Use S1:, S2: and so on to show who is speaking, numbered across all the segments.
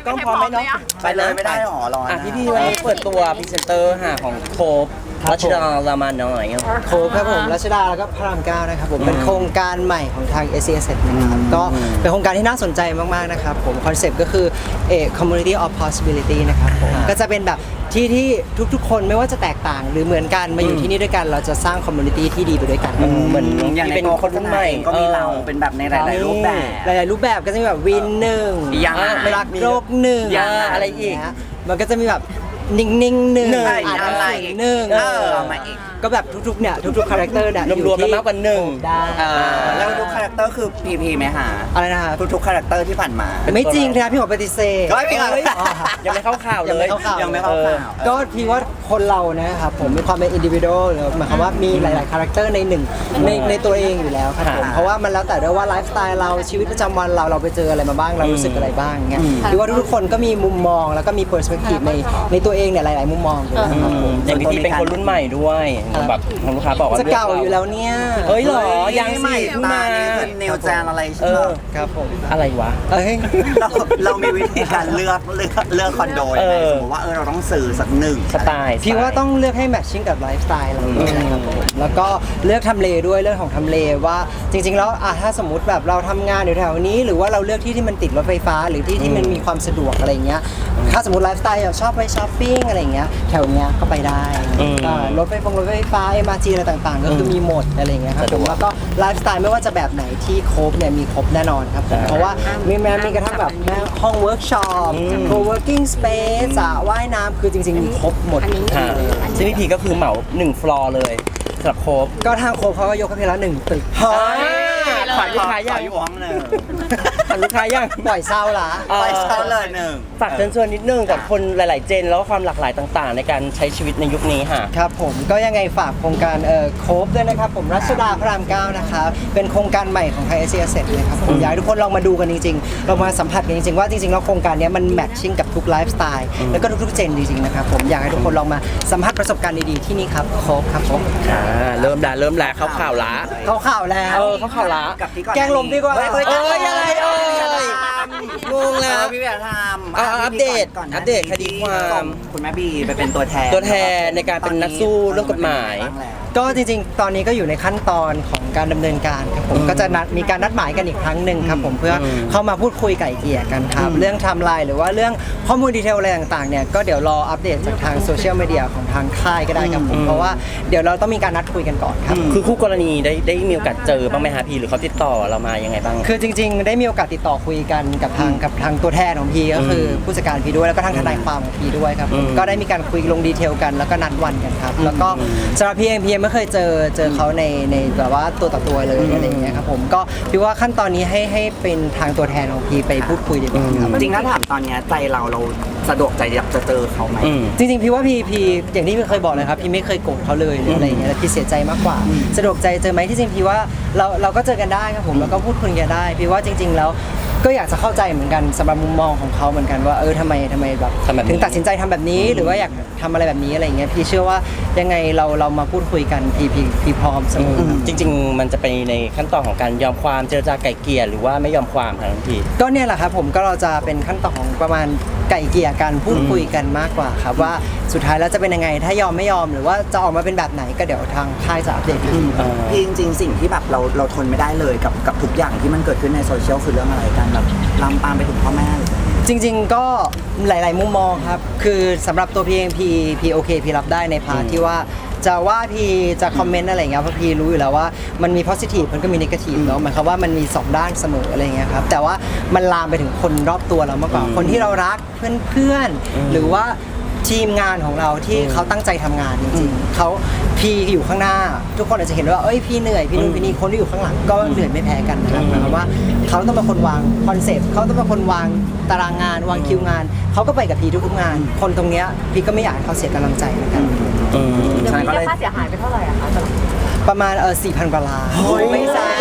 S1: กล้องพร้อมไหมเนาะ
S2: ไปเลยไม่ได้หรอร้อน
S1: พี่วันนี้เปิดตัวพรีเซนเตอร์ของโคบรัชดารามาหน่อย
S3: โคครับผมรัชดาแล้วก็พระรามเก้านะครับผมเป็นโครงการใหม่ของทาง SCS นะครับก็เป็นโครงการที่น่าสนใจมากๆนะครับผมคอนเซปต์ก็คือ community of possibility นะครับผมก็จะเป็นแบบที่ทุกๆคนไม่ว่าจะแตกต่างหรือเหมือนกันมาอยู่ที่นี่ด้วยกันเราจะสร้าง community ที่ดีไปด้วยกัน
S1: เหมือน
S2: อย่างใน
S1: เป็น
S2: ตัว
S1: คนรุ่นใหม่
S2: ก็มีเราเป็นแบบในหลายๆรูปแบบ
S3: หลายๆรูปแบบก็จะมีแบบวินหนึ่ง
S2: ยัง
S3: รักโลกหนึ่ง
S1: อะไรอีก
S3: มันก็จะมีแบบนิ่งๆหนึ่ง
S2: อ่านอะไรอีก
S3: หนึ่ง
S2: เอามาอีก
S3: ก็แบบทุกๆเนี่ยทุกๆคาแรคเตอร์เนี่ย
S1: รวมๆแล้วมากกว่าหนึ่ง
S3: ได้
S2: แล้วทุกคาแรคเตอร์คือพีไหมฮะ
S3: อะไรนะครับ
S2: ทุกคาแรคเตอร์ที่ผ่านมา
S3: ไม่จริงนะครับพี่หมอปฏิเสธ
S2: เฮ้ยพี่หมอ
S1: ยังไม่เข้าข่าวเลย
S2: ยังไม่เข้าข่าว
S3: ก็พี่ว่าคนเรานะครับผมมีความเป็นอินดิวิโดหรือหมายความว่ามีหลายๆคาแรคเตอร์ในหนึ่งในตัวเองอยู่แล้วครับผมเพราะว่ามันแล้วแต่ด้วยว่าไลฟ์สไตล์เราชีวิตประจำวันเราไปเจออะไรมาบ้างเรารู้สึกอะไรบ้างเงี้ยพี่ว่าทุกๆคนก็มีมุมมองแล้วก็มีเปอร์สเปกทีฟในตัวเองเนี่ยหลายๆมุมมองอยู่แล้วครับผม
S1: อย่างพี่เป็นคนรุ่นใหม่ด้วยแบบทางลูกค้าบอกว่า
S3: จะเก่าอยู่แล้วเนี่ย
S1: เฮ้ยหรอยัง
S2: ใหม่
S1: สิเพิ่ง
S2: ตา
S1: มา
S2: นี่คือเนวแจนอะไรใช่ไหม
S3: ครับผม
S1: อะไรวะ
S3: เอ้ย
S2: เรามีวิธีการเลือกคอนโดยังไงสมมติว่าเราต้องซื้อสักหนึ่ง
S1: สไตล์
S3: พี่ว่าต้องเลือกให้แมทชิ่งกับไลฟ์สไตล์เราด้วยนะครับผมแล้วก็เลือกทำเลด้วยเรื่องของทำเลว่าจริงๆแล้วถ้าสมมติแบบเราทำงานอยู่แถวนี้หรือว่าเราเลือกที่มันติดรถไฟฟ้าหรือที่มันมีความสะดวกอะไรเงี้ยถ้าสมมติไลฟ์สไตล์ชอบไปช้อปปิ้งอะไรเงี้ยแถวเนี้ยก็ไปได้รถไฟฟ้า MRT อะไรต่างๆ ก็คือมีหมดอะไรเงี้ยครับผมแล้วก็ไลฟ์สไตล์ไม่ว่าจะแบบไหนที่ครบเนี่ยมีครบแน่นอนครับผมเพราะว่ามีกระทั่งแบบห้องเวิร์กช็อปco-working space สระว่ายน้ำคือจริงๆมีครบหมด
S1: ซึ่งพี่พีก็คือเหมา1ฟลอร์เลยสำหรับโคบ
S3: ก็ทางโคบเขาก็ยกให้พี่ละ1 ตึก
S1: ขายลูกค้ายัง
S2: อยู่ห้องหนึ่ง
S1: ขายลูกค้ายัง
S3: ปล่อยเศร้าละ
S2: ไปเช่าเลยหนึ่ง
S1: ฝากเชิญชวนนิดนึงกับคนหลาย ๆ เจนแล้วก็ความหลากหลายต่าง ๆ ในการใช้ชีวิตในยุคนี้ค่ะ
S3: ครับผมก็ยังไงฝากโครงการโคบด้วยนะครับผมรัชดาพระราม9นะครับเป็นโครงการใหม่ของไทยเอเชียเซ็ตเลยครับผมอยากให้ทุกคนลองมาดูกันจริงๆเรามาสัมผัสกันจริงๆว่าจริงๆแล้วโครงการนี้มันแมทชิ่งกับทุกไลฟ์สไตล์แล้วก็ทุกๆเจนจริงๆนะครับผมอยากให้ทุกคนลองมาสัมผัสประสบการณ์ดีๆที่นี่ครับโคบครับผม
S1: เริ่มแล้วเข้าข่าวละ
S3: เขาข่าวแล้ว
S1: เข้าข่าวละ
S2: กับที่ก่อน
S3: แกล้งลมดีกว่า
S2: เฮ้ย
S1: ยังไงงงแล้ว
S2: พี่เบียร์ทำ
S1: อัปเดตคดีความ
S2: คุณแม่บีไปเป็นตัวแทน
S1: ในการเป็นนักสู้เรื่องกฎหมาย
S3: ก็จริงๆ ตอนนี้ก็อยู่ในขั้นตอนของการดำเนินการครับผมก็จะมีการนัดหมายกันอีกครั้งหนึ่งครับผมเพื่อเข้ามาพูดคุยไก่เกลี่ยกันครับเรื่องไทม์ไลน์หรือว่าเรื่องข้อมูลดีเทลอะไรต่างๆเนี่ยก็เดี๋ยวรออัปเดตจากทางโซเชียลมีเดียของทางค่ายก็ได้ครับผมเพราะว่าเดี๋ยวเราต้องมีการนัดคุยกันก่อนครับ
S1: คือคู่กรณีได้มีโอกาสเจอบ้างไหมฮะพี่หรือเขาติดต่อเรามายังไงบ้าง
S3: คือจริงๆ ได้มีโอกาสติดต่อคุยกันกับทางตัวแทนของพีก็คือผู้จัดการพีด้วยแล้วก็ทางทนายความของพีด้วยครับผมก็ได้มีการคุยลงดีเทลกันแล้วก็นัดวันกันครับแล้วก็สำหรับพีเองพีไม่เคยเจอเขาในแบบว่าตัวต่อตัวเลยอะไรอย่างเงี้ยครับผมก็พี่ว่าขั้นตอนนี้ให้เป็นทางตัวแทนของพีไปพูดคุยดีกว่าครับ
S2: จริงถ้าถามตอนนี้ใจเราสะดวกใจอยากจะเจอเขาไหม
S3: จริงๆพี่ว่าพีอย่างที่พี่เคยบอกเลยครับพี่ไม่เคยโกรธเขาเลยหรืออะไรอย่างเงี้ยแต่พี่เสียใจมากกว่าสะดวกใจเจอไหมที่จริงพี่ว่าเราก็เจอกันได้ครับผมแล้วก็พูดคุยกันได้พี่ว่าจริง ๆ แล้วก็อยากจะเข้าใจเหมือนกันสำหรับมุมมองของเขาเหมือนกันว่าทำไมแบบถึงตัดสินใจทำแบบนี้หรือว่าอยากทำอะไรแบบนี้อะไรอย่างเงี้ยพี่เชื่อว่ายังไงเรามาพูดคุยกันพี่พร้อมเสมอ
S1: จริง ๆ มันจะไปในขั้นตอนของการยอมความเจรจาไก่เกลี่ยหรือว่าไม่ยอมความครับพี่
S3: ก็เนี่ยแหละครับผมก็เราจะเป็นขั้นตอนของประมาณไก่เกลี่ยกันพูดคุยกันมากกว่าครับว่าสุดท้ายแล้วจะเป็นยังไงถ้ายอมไม่ยอมหรือว่าจะออกมาเป็นแบบไหนก็เดี๋ยวทางค่ายจะอัปเดตอีกที
S2: พี่จริงๆสิ่งที่แบบเราทนไม่ได้เลยกับทุกอย่างที่มันเกิดขึ้นในโซเชียลคือเรื่องอะไรกันแบบลามปามไปถึงพ่อแม่เลย
S3: จริงๆก็หลายๆมุมมองครับคือสำหรับตัวพี่เองพี่โอเคพี่รับได้ในพาร์ทที่ว่าจะว่าพี่จะคอมเมนต์อะไรอย่างเงี้ยเพราะพี่รู้อยู่แล้วว่ามันมี positive มันก็มี negative เนาะหมายความว่ามันมี2ด้านเสมออะไรอย่างเงี้ยครับแต่ว่ามันลามไปถึงคนรอบตัวเรามากกว่าคนที่เรารักเพื่อนๆหรือว่าทีมงานของเราที่เขาตั้งใจทำงานจริงๆเขาพี่อยู่ข้างหน้าทุกคนอาจจะเห็นว่าพี่เหนื่อยพี่นู่นพี่นี่คนที่อยู่ข้างหลังก็เหนื่อยไม่แพ้กันนะครับหมายความว่าเขาต้องเป็นคนวางคอนเซปต์เขาต้องเป็นคนวางตารางงานวางคิวงานเขาก็ไปกับพี่ทุกๆงานคนตรงเนี้ยพี่ก็ไม่อยากให้เขาเสียกำลังใจเหมือนกัน
S4: เดี๋ยวมีเรียกค่าเสียหายไปเท่าไหร่อะคะสำหรับ
S3: ประมาณ4,000 กว่าล้านไม่ใช่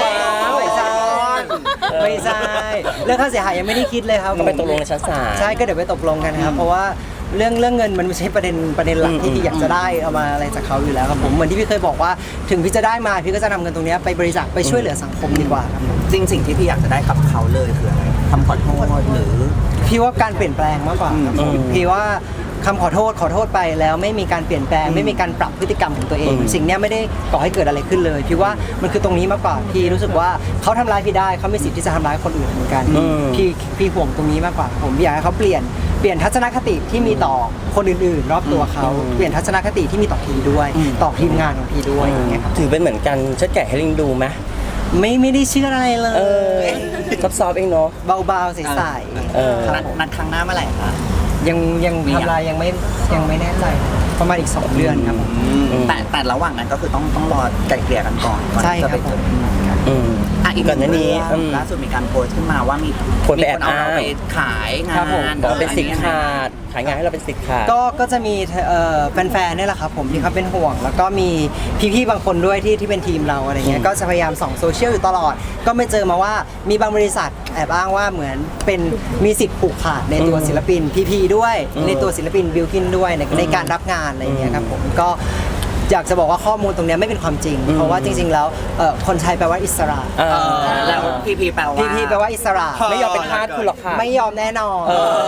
S3: เรื่องค่าเสียหายยังไม่ได้คิดเลยครับ
S1: ก็ไปตกลงในชั้นศาล
S3: ใช่ก็เดี๋ยวไปตกลงกันครับเพราะว่าเรื่องเงินมันไม่ใช่ประเด็นหลักที่พี่อยากจะได้เอามาอะไรจากเขาอยู่แล้วครับผมเหมือนที่พี่เคยบอกว่าถึงพี่จะได้มาพี่ก็จะนำเงินตรงนี้ไปบริจาคไปช่วยเหลือสังคมดีกว่าครับ
S2: จริงสิ่งที่พี่อยากจะได้กับเขาเลยคืออะไรคำขอโทษหรือ
S3: พี่ว่าการเปลี่ยนแปลงมากกว่าครับผมพี่ว่าคำขอโทษไปแล้วไม่มีการเปลี่ยนแปลงไม่มีการปรับพฤติกรรมของตัวเอง สิ่งเนี้ยไม่ได้ก่อให้เกิดอะไรขึ้นเลยพี่ว่ามันคือตรงนี้มากกว่าพี่รู้สึกว่าเขาทำร้ายพี่ได้เขามีสิทธิ์ที่จะทำร้ายคนอื่นเหมือนกันพี่ห่วงตรงนี้มากกว่าผมอยากให้เขาเปลี่ยนทัศนคติที่มีต่อคนอื่นๆรอบตัวเขาเปลี่ยนทัศนคติที่มีต่อพี่ด้วยต่อทีมงานของพี่ด้วยอย่างเงี้ยครับ
S1: ถือเป็นเหมือนกันเชิดแก่ให้ลิงดูไหม
S3: ไม่ได้เชื่ออะไรเลย
S1: ซอฟๆเองเนาะ
S3: เบาๆใส
S2: นัดครั้งหน้าเมื่อไหร่คะ
S3: ๆยังทำลายยังไม่แน่ใจประมาณอีก2 เดือนครับผม
S2: แต่ระหว่างนั้นก็คือต้องรอไกลเกลี่ยกันก่อน
S3: ใช่ครับ
S2: จะไปเจอ อีก
S1: ก่อนหน้านี้
S2: ล่าสุดมีการโพสต์ขึ้นมาว่ามี
S1: คนไปแอบ
S2: เอาเรา
S1: อ้าง
S2: ไปขายงา
S3: ครับผม
S2: น
S1: บอกว่าเป็นสิทธิ์ขาดขายงานให้เราเป็นสิทธิ์ขาด
S3: ก็จะมีแฟนๆเนี่ยแหละครับผมที่เขาเป็นห่วง แล้วก็มีพี่ๆบางคนด้วยที่เป็นทีมเราอะไรเงี้ยก็จะพยายามส่องโซเชียลอยู่ตลอด ก็ไม่เจอมาว่ามีบางบริษัทแอบอ้างว่าเหมือนเป็นมีสิทธิ์ผูกขาดในตัวศิลปินพีด้วยในตัวศิลปินบิลกินด้วยในการรับงานอะไรเงี้ยครับผมก็อยากจะบอกว่าข้อมูลตรงเนี้ยไม่เป็นความจริง เพราะว่าจริงๆแล้วคนไทยแปลว่าอิสระ
S2: แล้วพีแปลว่า
S3: พีแปลว่าอิสระ
S1: ไม่ยอมเป็นทาสคุณหรอกค่ะ
S3: ไม่ยอมแน่นอน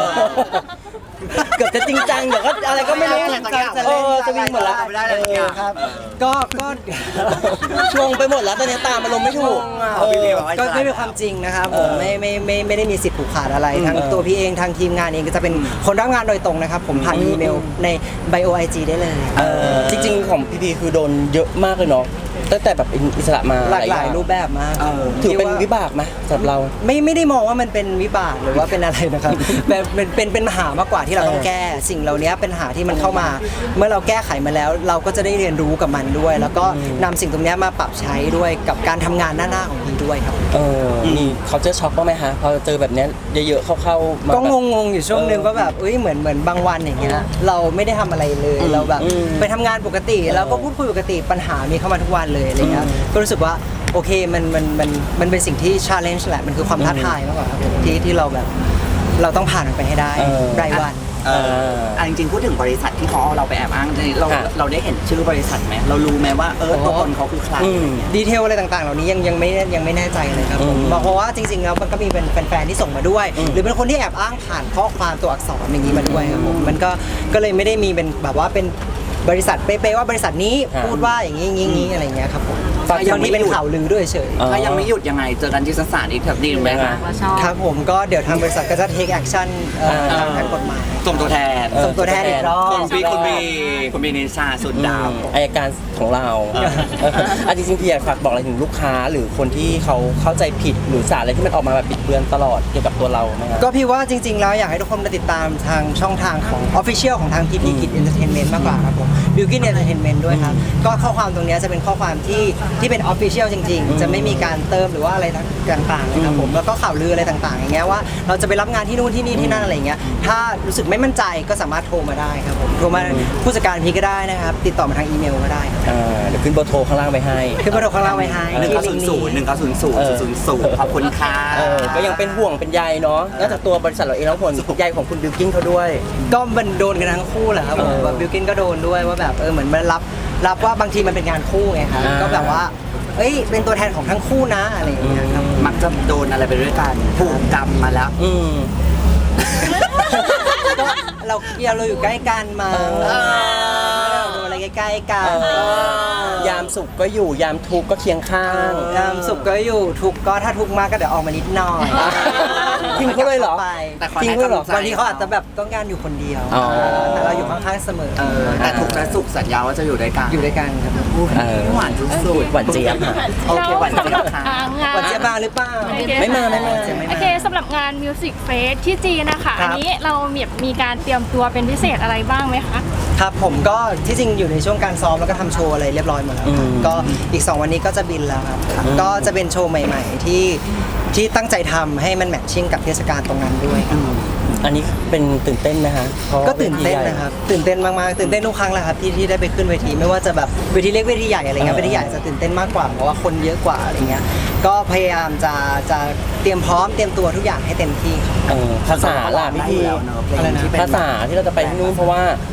S1: เกือบจะจริงจังเดี๋ยวก็อะไรก็ไม่รู้
S3: จะเล่น
S1: จะวิ่งหมดแล้ว
S2: ไม่ได้เลยเนี่ย
S3: ครับก็
S1: ชงไปหมดแล้วตอนนี้ตามอารมณ์ไม่ถูก
S2: พี่บอกว่า
S3: ก็ไม่เป็นความจริงนะครับผมไม่ได้มีสิทธิ์ผูกขาดอะไรทั้งตัวพี่เองทางทีมงานเองก็จะเป็นคนรับงานโดยตรงนะครับผมผ่านอีเมลในไบโอไอจีได้เลย
S1: จริงๆของพี่พีคือโดนเยอะมากเลยเนาะตั้งแต่แบบอิสระมา
S3: หลากหลายรูปแบบมาก
S1: ถือเป็น
S3: ที่
S1: วิบากไหมสำหรับเรา
S3: ไม่ได้มองว่ามันเป็นวิบากหรือว่าเป็นอะไรนะครับ แบบเป็นปัญหามากกว่าที่เราต้องแก้สิ่งเหล่านี้เป็นปัญหาที่มันเข้ามา เมื่อเราแก้ไขมาแล้ว เราก็จะได้เรียนรู้กับมันด้วย แล้วก็นำสิ่งตรงนี้มาปรับใช้ด้วยกับการทำงานหน้าของพี่ด้วยครับ
S1: มีเขาเจอช็อกบ้างไหมฮะพอเจอแบบเนี้ยเยอะๆเข้าๆมา
S3: ก็
S1: แบบ
S3: งงๆอยู่ช่วงนึงว่าแบบเหมือนบางวันอย่างเงี้ยเราไม่ได้ทำอะไรเลยเราแบบไปทำงานปกติแล้วก็พูดคุยปกติปัญหามีเข้ามาทุกวันเลยอะไรเงี้ยก็รู้สึกว่าโอเคมันเป็นสิ่งที่ challenge แหละมันคือความท้าทายมากกว่าครับผมที่เราแบบเราต้องผ่านมันไปให้ได้รายวัน
S2: จริงๆพูดถึงบริษัทที่เขาเอาเราไปแอบอ้างเราได้เห็นชื่อบริษัทไหมเรารู้ไหมว่าตัวตนเขาคือใคร
S3: ดีเทลอะไรต่างๆเหล่านี้ยังไม่แน่ใจเลยครับผมเพราะว่าจริงๆแล้วมันก็มีเป็นแฟนๆที่ส่งมาด้วย หรือเป็นคนที่แอบอ้างผ่านข้อความตัวอักษรอย่างนี้มาด้วยครับผมมันก็เลยไม่ได้มีเป็นแบบว่าเป็นบริษัทเป๊ะๆว่าบริษัทนี้พูดว่าอย่างนี้อะไรเงี้ยครับผมบางทีเป็นข่าวลือด้วยเฉย
S2: ถ้ายังไม่หยุดยังไงเจอกันที่ศาลอีกแบบดีไหมคะ
S3: ครับผมก็เดี๋ยวทางบริษัทก็จะ take action ทางกฎหมาย
S2: ส่งตัวแทน
S3: ส่งตัวแทนอีกรอบ
S2: คุณบีนิชาสุดดาว
S1: อายการของเราจริงๆพี่อยากฝากบอกอะไรถึงลูกค้าหรือคนที่เขาเข้าใจผิดหรือสารอะไรที่มันออกมาแบบบิดเบือนตลอดเกี่ยวกับตัวเราไหมครับ
S3: ก็พี่ว่าจริงๆแล้วอยากให้ทุกคนมาติดตามทางช่องทางของ Official ของทาง TP Kid Entertainment มากกว่าครับผม Bilkin Entertainment ด้วยครับก็ข้อความตรงนี้จะเป็นข้อความที่เป็น Official จริงๆ จะไม่มีการเติมหรือว่าอะไรต่างๆนะครับผมแล้วก็ข่าวลืออะไรต่างๆอย่างเงี้ยว่าเราจะไปรับงานที่นู่นที่นี่ที่นั่นอะไรเงี้ยถ้ารู้สึกไม่มั่นใจก็สามารถโทรมาได้ครับผมโทรมาผู้จัดการพี่ก็ได้นะครับติดต่อมาทางอีเมลก็ได้ครับ
S1: เดี๋ยวขึ้นเบอร์โทรข้างล่างไปให้
S3: คือประโยคข้างล่างไว้ให้ที่ลิงก์นี้
S2: 1900 ขอบคุณค่ะ
S1: ก็ยังเป็นห่วงเป็นใยเนาะนอกจากตัวบริษัทเราเองแล้วห่วงใยของคุณบิลกิ้นเขาด้วย
S3: ก็มันโดนกันทั้งคู่แหละครับผมแบบบิลกินก็โดนด้วยว่าแบบเหมือนมันรับว่าบางทีมันเป็นงานคู่ไงครับก็แบบว่าเป็นตัวแทนของทั้งคู่นะอะไรอย่างเงี้ยครับ
S2: มักจะโดนอะไรไปด้วยกันผูกกรรมมาแล้ว
S3: ก็เราอยู่ใกล้กันมาโดนอะไรใกล้ๆกัน
S1: ยามสุขก็อยู่ยามทุกข์ก็เคียงข้าง
S3: ยามสุขก็อยู่ทุกข์ก็ถ้าทุกข์มากก็เดี๋ยวออกมานิดหน่อย
S1: ทิ้งเขาเลยเหรอ
S3: ไป
S2: แต่ขอ
S1: ทิ้ง
S2: ให้
S1: ด้วยเหรอ
S2: กำลังใจ
S3: บางทีเขาอาจจะแบบต้องการอยู่คนเดียว
S1: อ๋อ
S3: แต่เราอยู่ข้างๆเสมอ
S2: แต่ถูกและสุขสัญญาว่าจะอยู่ด้วยกัน
S3: อยู่ด้วยกันครับ
S2: หวานสุด
S1: หวานเจี๊ยบค่ะ
S2: โอเคหวานเจี๊ยบค่ะ
S3: วันเจี๊ยบมาหรือเปล่า
S1: ไม่มา
S4: โอเคสำหรับงาน Music Fest ที่จีนนะคะ
S3: ครับ
S4: อันนี้เรามีการเตรียมตัวเป็นพิเศษอะไรบ้างไหมคะ
S3: ครับผมก็ที่จริงอยู่ในช่วงการซ้อมแล้วก็ทำโชว์อะไรเรียบร้อยหมดแล้วครับก็อีก 2 วันนี้ก็จะบินแล้วครับก็จะเป็นโชว์ใหม่ๆที่ตั้งใจทำให้มันแมทชิ่งกับเทศกาลตรงนั้นด้วยครับ
S1: อันนี้เป็นตื่นเต้นนะคะเพราะ
S3: ก็ตื่นเต้นนะครับตื่นเต้นมากๆตื่นเต้นทุกครั้งแหละครับที่ได้ไปขึ้นเวทีไม่ว่าจะแบบเวทีเล็กเวทีใหญ่อะไรเงี้ยเวทีใหญ่จะตื่นเต้นมากกว่าเพราะว่าคนเยอะกว่าอะไรเงี้ยก็พยายามจะเตรียมพร้อมเตรียมตัวทุกอย่างให้เต็มที่ครับ
S1: ภาษาล่ะพี่พี
S2: อะไรนะ
S1: ภาษาที่เราจะไปที่นู่นเพราะว่า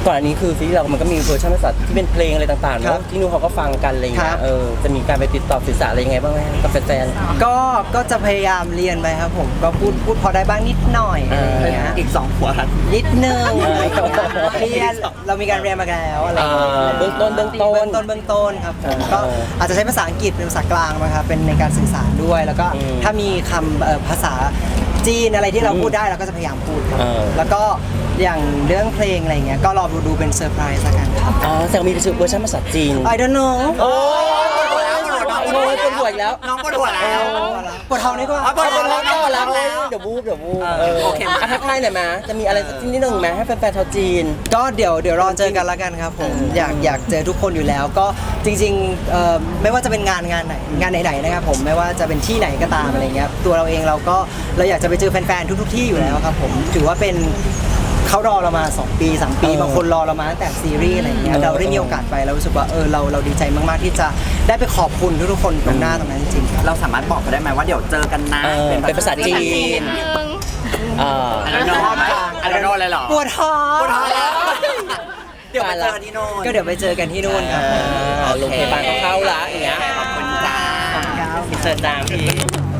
S1: ก่อนอันนี้คือซีรีส์เรามันก็มีเวอร์ชันภาษาที่เป็นเพลงอะไรต่างๆ
S3: ครั
S1: เนาะ
S3: บ
S1: ที่นู่นเขาก็ฟังกันอะไรอย่าง
S3: ค
S1: เงี้
S3: รั
S1: ย
S3: บ
S1: จะมีการไปติดต่อสื่อสารอะไรยังไงบ้างไหมกับแฟน
S3: ก็จะพยายามเรียนไปครับผมก็พูดพอได้บ้างนิดหน่อยอะไรอย่างเงี้ย
S2: อีก2หัวรัน
S3: นิดนึงเรียนเรามีการเรียนมาแล้วอะไรอย่างเงี้ย
S1: เบื้องต้น
S3: เบื้องต้นครับผมก็อาจจะใช้ภาษาอังกฤษเป็นภาษากลางนะครับเป็นในการสื่อสารด้วย แล้วก็ถ้ามีคำภาษาจีนอะไรที่เราพูดได้เราก็จะพยายามพูดครับแล้วก็อย่างเรื่องเพลงอะไรอย่างเงี้ยก็รอดูเป็นเซอร์ไพรส์ละกันครับ
S1: อ๋อแต่มีเวอร์ชันภาษาจีน
S3: I don't know
S1: โอ้ยปวดหัวอีกแล้ว
S2: น้องปวดหัวแล้ว
S3: ปวดท้องดีกว่า
S2: ปวดท้อง
S1: ก็แล้วเดี๋ยววูบ
S2: โอเค
S1: ทักทายหน่อยมาจะมีอะไรสักนิดนึงไหมให้แฟนๆชาวจีน
S3: ก็เดี๋ยวรอเจอกันละกันครับผมอยากเจอทุกคนอยู่แล้วก็จริงๆไม่ว่าจะเป็นงานไหนนะครับผมไม่ว่าจะเป็นที่ไหนก็ตามอะไรเงี้ยตัวเราเองเราอยากจะไปเจอแฟนๆทุกๆที่อยู่แล้วครับผมถือว่าเป็นเขารอเรามา2 ปี 3 ปีบางคนรอเรามาตั้งแต่ซีรีส์อะไรเงี้ยเราได้มีโอกาสไปเรารู้สึกว่าเราดีใจมากๆที่จะได้ไปขอบคุณทุกๆคนตรงหน้าตรงนั้นจริงๆครับ
S2: เราสามารถบอกเขาได้ไหมว่าเดี๋ยวเจอกันนะ
S1: เป็นภาษาจีน
S4: นิดนึง
S2: อะไรนอกอะไรนอกอะไรหรอ
S3: ปวดท้อง
S2: ปวดท้องแล้วเดี๋ยวไปเจอกันที่โน่น
S3: ก็เดี๋ยวไปเจอกันที่นู่นครับ
S1: โรงพยาบาลเขาเข้าละอย่างเงี้ย
S2: ขอบคุณจ้า
S1: อินเสิร์ตตามพี่